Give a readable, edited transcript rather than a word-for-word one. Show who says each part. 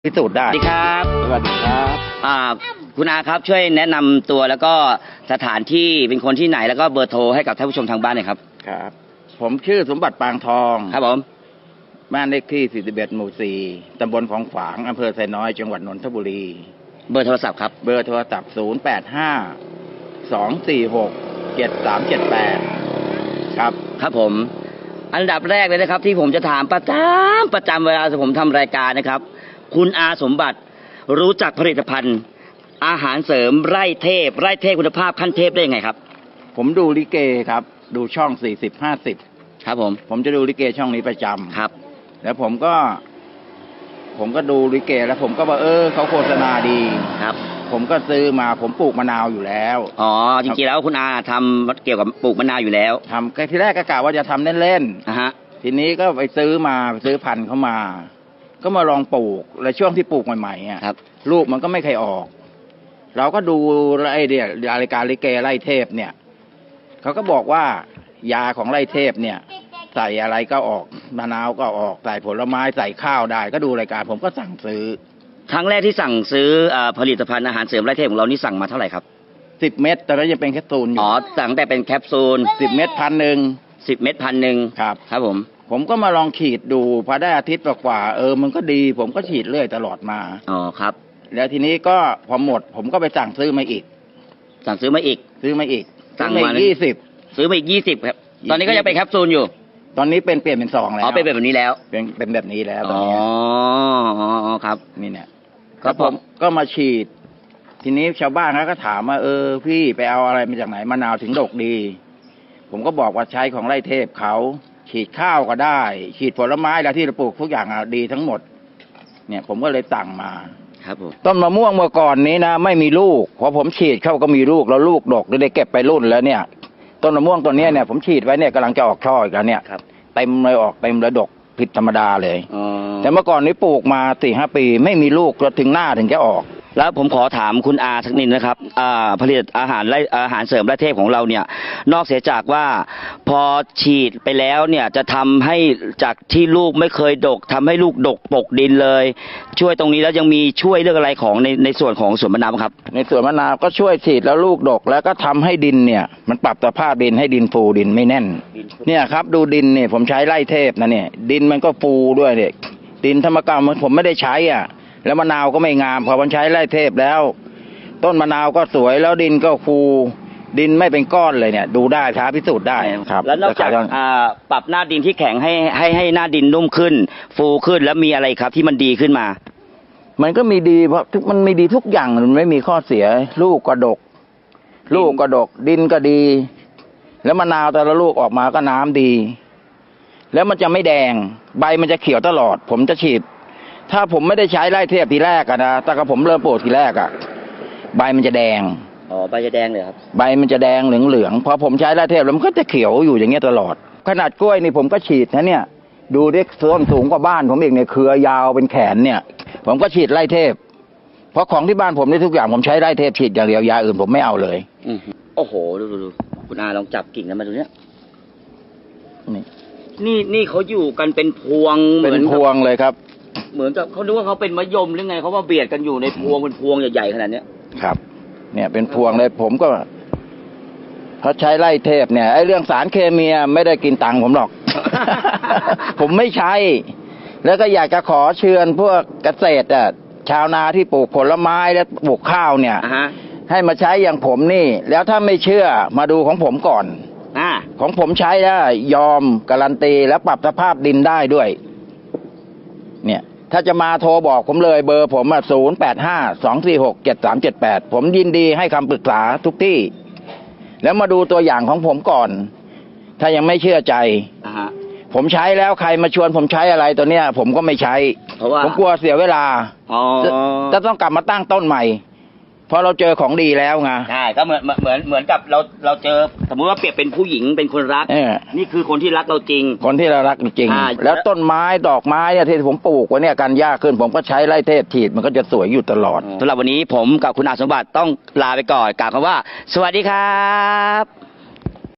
Speaker 1: พิสูจน์ได้
Speaker 2: สวัสดีครับ
Speaker 1: สวัสดีครับ
Speaker 2: คุณอาครับช่วยแนะนำตัวแล้วก็สถานที่เป็นคนที่ไหนแล้วก็เบอร์โทรให้กับท่านผู้ชมทางบ้านหน่อยครับ
Speaker 1: ครับ ผมชื่อสมบัติปางทอง
Speaker 2: ครับผม
Speaker 1: บ้านเลขที่41หมู่4ตำบลของฝางอำเภอไซน้อยจังหวัดนนทบุรี
Speaker 2: เบอร์โทรศัพท์ครับ
Speaker 1: เบอร์โทรศัพท์085 246 7378ครับ
Speaker 2: ครับผมอันดับแรกเลยนะครับ ที่ผมจะถามประจำเวลาผมทำรายการนะครับ คุณอาสมบัติรู้จักผลิตภัณฑ์ อาหารเสริมไร่เทพคุณภาพขั้นเทพได้ยังไงครับ
Speaker 1: ผมดูลิเกครับดูช่อง40-50
Speaker 2: ครับผม
Speaker 1: จะดูลิเกช่องนี้ประจำ
Speaker 2: ครับ
Speaker 1: แล้วผมก็ดูลิเกแล้วผมก็ว่าเขาโฆษณาดี
Speaker 2: ครับ
Speaker 1: ผมก็ซื้อมาผมปลูกมะนาวอยู่แล้ว
Speaker 2: อ๋อจริงๆแล้วคุณอาทำเกี่ยวกับปลูกมะนาวอยู่แล้ว
Speaker 1: ทำทีแรกก็กะว่าจะทำเล่นๆทีนี้ก็ไปซื้อพันธุ์เข้ามาก็มาลองปลูกและช่วงที่ปลูกใหม่ๆอ่ะลูกมันก็ไม่เคยออกเราก็ดูไอ้เนี่ยรายการลิเกไล่เทพเนี่ยเขาก็บอกว่ายาของไล่เทพเนี่ยใส่อะไรก็ออกมะนาวก็ออกใส่ผลไม้ใส่ข้าวได้ก็ดูรายการผมก็สั่งซื้อ
Speaker 2: ครั้งแรกที่สั่งซื้อผลิตภัณฑ์อาหารเสริมไร่เทพของเรานี่สั่งมาเท่าไหร่ครับ
Speaker 1: 10 เม็ดตอนนั้นยังเป็นแคปซูลอยู่
Speaker 2: สั่งแต่เป็นแคปซูล
Speaker 1: 10 เม็ด1,000
Speaker 2: 10 เม็ด1,000ครับ
Speaker 1: ผมก็มาลองฉีดดูพอได้อาทิตย์กว่ามันก็ดีผมก็ฉีดเรื่อยตลอดมา
Speaker 2: ครับ
Speaker 1: แล้วทีนี้ก็พอหมดผมก็ไปสั่งซื้อมาอีก
Speaker 2: สั่งซื้อมาอีก
Speaker 1: สั่งมา
Speaker 2: 20ซื้อมาอีก20ครับตอนนี้ก็ยังเป็นแคปซูลอยู่
Speaker 1: ตอนนี้เปลี่ยนเป็นซองแล้ว
Speaker 2: เป็นแบบนี้แล้ว
Speaker 1: เป็นแบบนี้แล้วตอนนี้
Speaker 2: ครับ
Speaker 1: นี่เนี่ยก็ผมก็มาฉีดทีนี้ชาวบ้านเขาก็ถามว่าพี่ไปเอาอะไรมาจากไหนมะนาวถึงดกดีผมก็บอกว่าใช้ของไร่เทพเขาฉีดข้าวก็ได้ฉีดผลไม้แล้วที่เราปลูกทุกอย่างดีทั้งหมดเนี่ยผมก็เลยสั่งมา
Speaker 2: ครับผม
Speaker 1: ต้นมะม่วงเมื่อก่อนนี้นะไม่มีลูกพอผมฉีดเข้าก็มีลูกแล้วลูกดกได้เก็บไปรุ่นแล้วเนี่ยต้นมะม่วงตัวนี้เนี่ยผมฉีดไว้เนี่ยกำลังจะออกช่ออีกแล้วเนี่ยเต็มเลยออกเต็มเลยดกผิดธรรมดาเลยแต่เมื่อก่อนนี้ปลูกมา4-5 ปีไม่มีลูกแล้วถึงหน้าถึงจะออก
Speaker 2: แล้วผมขอถามคุณอาสักนิดนะครับผลิตอาหารเสริมไร่เทพของเราเนี่ยนอกเสียจากว่าพอฉีดไปแล้วเนี่ยจะทำให้จากที่ลูกไม่เคยดกทำให้ลูกดกปกดินเลยช่วยตรงนี้แล้วยังมีช่วยเรื่องอะไรของในส่วนของสวนมะนาวครับ
Speaker 1: ในสวนมะนาวก็ช่วยฉีดแล้วลูกดกแล้วก็ทำให้ดินเนี่ยมันปรับสภาพดินให้ดินฟูดินไม่แน่นเนี่ยครับดูดินเนี่ยผมใช้ไร่เทพนะเนี่ยดินมันก็ฟูด้วยเนี่ยดินธรรมกรรมผมไม่ได้ใช้แล้วมะนาวก็ไม่งามพอมันใช้ไร่เทพแล้วต้นมะนาวก็สวยแล้วดินก็ฟูดินไม่เป็นก้อนเลยเนี่ยดูได้ท้าพิสูจน์ได้ครับ
Speaker 2: แล้วนอกจากปรับหน้าดินที่แข็งให้หน้าดินนุ่มขึ้นฟูขึ้นแล้วมีอะไรครับที่มันดีขึ้นมา
Speaker 1: มันก็มีดีเพราะมันมีดีทุกอย่างมันไม่มีข้อเสียลูกก็ดกดินก็ดีแล้วมะนาวแต่ละลูกออกมาก็น้ำดีแล้วมันจะไม่แดงใบมันจะเขียวตลอดผมจะฉีดถ้าผมไม่ได้ใช้ไร่เทพทีแรกนะแต่ก็ผมเริ่มปลูกทีแรกใบมันจะแดง
Speaker 2: ใบจะแดงเลยครับ
Speaker 1: ใบมันจะแดงเหลืองพอผมใช้ไร่เทพแล้วมันก็จะเขียวอยู่อย่างเงี้ยตลอดขนาดกล้วยนี่ผมก็ฉีดนะเนี่ยดูดิต้นสูงกว่าบ้านผมเองเนี่ยเครือยาวเป็นแขนเนี่ยผมก็ฉีดไร่เทพเพราะของที่บ้านผมนี่ทุกอย่างผมใช้ไร่เทพฉีดอย่างเดียวยาอื่นผมไม่เอาเลย
Speaker 2: โอ้โหดูคุณอาลองจับกิ่งนั้นมาดูเนี่ยนี่เขาอยู่กันเป็นพวง
Speaker 1: เป็นพวงเลยครับ
Speaker 2: เหมือนกับเขาดูว่าเขาเป็นมะยมหรือไงเขาว่าเบียดกันอยู่ในพวงเป็นพวงใหญ่ๆขนาดนี้
Speaker 1: ครับเนี่ยเป็นพวงเลยผมก็เขาใช้ไล่เทพเนี่ยไอ้เรื่องสารเคมีไม่ได้กินตังค์ผมหรอก ผมไม่ใช้แล้วก็อยากจะขอเชิญพวกเกษตรชาวนาที่ปลูกผลไม้และปลูกข้าวเนี่ยให้มาใช้อย่างผมนี่แล้วถ้าไม่เชื่อมาดูของผมก่อนของผมใช้ได้ยอมการันตีและปรับสภาพดินได้ด้วยเนี่ยถ้าจะมาโทรบอกผมเลยเบอร์ผม085-246-7378ผมยินดีให้คำปรึกษาทุกที่แล้วมาดูตัวอย่างของผมก่อนถ้ายังไม่เชื่อใจผมใช้แล้วใครมาชวนผมใช้อะไรตัวเนี้ยผมก็ไม่ใช้ผมกลัวเสียเวลาจะต้องกลับมาตั้งต้นใหม่เพราะเราเจอของดีแล้วไง
Speaker 2: ใช่ก็เหมือนกับเราเจอสมมุติว่าเปรียบเป็นผู้หญิงเป็นคนรักนี่คือคนที่รักเราจริง
Speaker 1: คนที่เรารักจริงแล้วต้นไม้ดอกไม้เนี่ยที่ผมปลูกไว้เนี่ยกันยากขึ้นผมก็ใช้ไร่เทพฉีดมันก็จะสวยอยู่ตลอด
Speaker 2: สำหรับวันนี้ผมกับคุณอาสมบัติต้องลาไปก่อนกล่าวคำว่าสวัสดีครับ